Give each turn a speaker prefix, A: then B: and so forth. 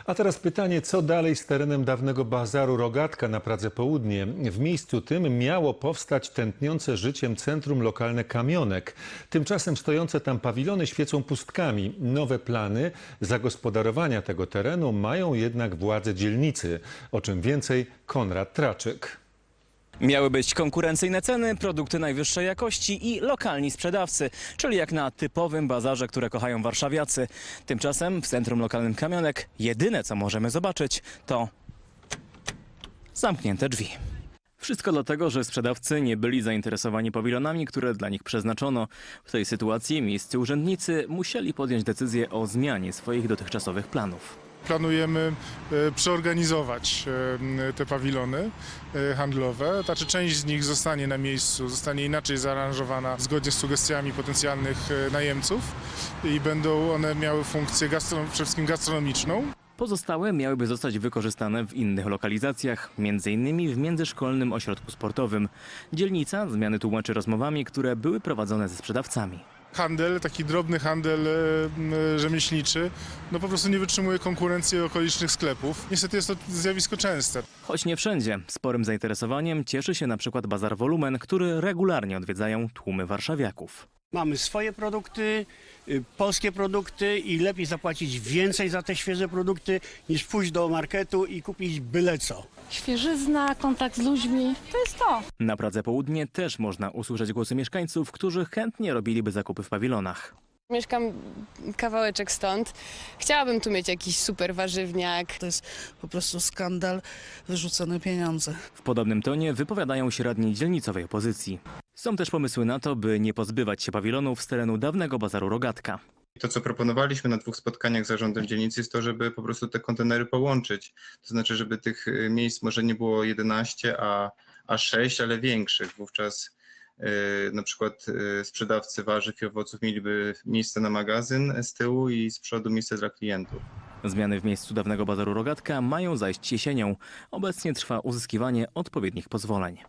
A: A teraz pytanie, co dalej z terenem dawnego bazaru Rogatka na Pradze Południe? W miejscu tym miało powstać tętniące życiem centrum lokalne Kamionek. Tymczasem stojące tam pawilony świecą pustkami. Nowe plany zagospodarowania tego terenu mają jednak władze dzielnicy. O czym więcej Konrad Traczyk.
B: Miały być konkurencyjne ceny, produkty najwyższej jakości i lokalni sprzedawcy, czyli jak na typowym bazarze, które kochają warszawiacy. Tymczasem w centrum lokalnym Kamionek jedyne co możemy zobaczyć to zamknięte drzwi. Wszystko dlatego, że sprzedawcy nie byli zainteresowani pawilonami, które dla nich przeznaczono. W tej sytuacji miejscy urzędnicy musieli podjąć decyzję o zmianie swoich dotychczasowych planów.
C: Planujemy przeorganizować te pawilony handlowe. Znaczy część z nich zostanie na miejscu, zostanie inaczej zaaranżowana zgodnie z sugestiami potencjalnych najemców i będą one miały funkcję przede wszystkim gastronomiczną.
B: Pozostałe miałyby zostać wykorzystane w innych lokalizacjach, m.in. w międzyszkolnym ośrodku sportowym. Dzielnica zmiany tłumaczy rozmowami, które były prowadzone ze sprzedawcami.
C: Handel, taki drobny handel rzemieślniczy, no po prostu nie wytrzymuje konkurencji okolicznych sklepów. Niestety jest to zjawisko częste.
B: Choć nie wszędzie. Sporym zainteresowaniem cieszy się na przykład bazar Wolumen, który regularnie odwiedzają tłumy warszawiaków.
D: Mamy swoje produkty, polskie produkty i lepiej zapłacić więcej za te świeże produkty niż pójść do marketu i kupić byle co.
E: Świeżyzna, kontakt z ludźmi, to jest to.
B: Na Pradze Południe też można usłyszeć głosy mieszkańców, którzy chętnie robiliby zakupy w pawilonach.
F: Mieszkam kawałeczek stąd. Chciałabym tu mieć jakiś super warzywniak.
G: To jest po prostu skandal, wyrzucone pieniądze.
B: W podobnym tonie wypowiadają się radni dzielnicowej opozycji. Są też pomysły na to, by nie pozbywać się pawilonów z terenu dawnego bazaru Rogatka.
H: To, co proponowaliśmy na 2 spotkaniach z zarządem dzielnicy, jest to, żeby po prostu te kontenery połączyć. To znaczy, żeby tych miejsc może nie było 11, a 6, ale większych. Wówczas na przykład sprzedawcy warzyw i owoców mieliby miejsce na magazyn z tyłu i z przodu miejsce dla klientów.
B: Zmiany w miejscu dawnego bazaru Rogatka mają zajść jesienią. Obecnie trwa uzyskiwanie odpowiednich pozwoleń.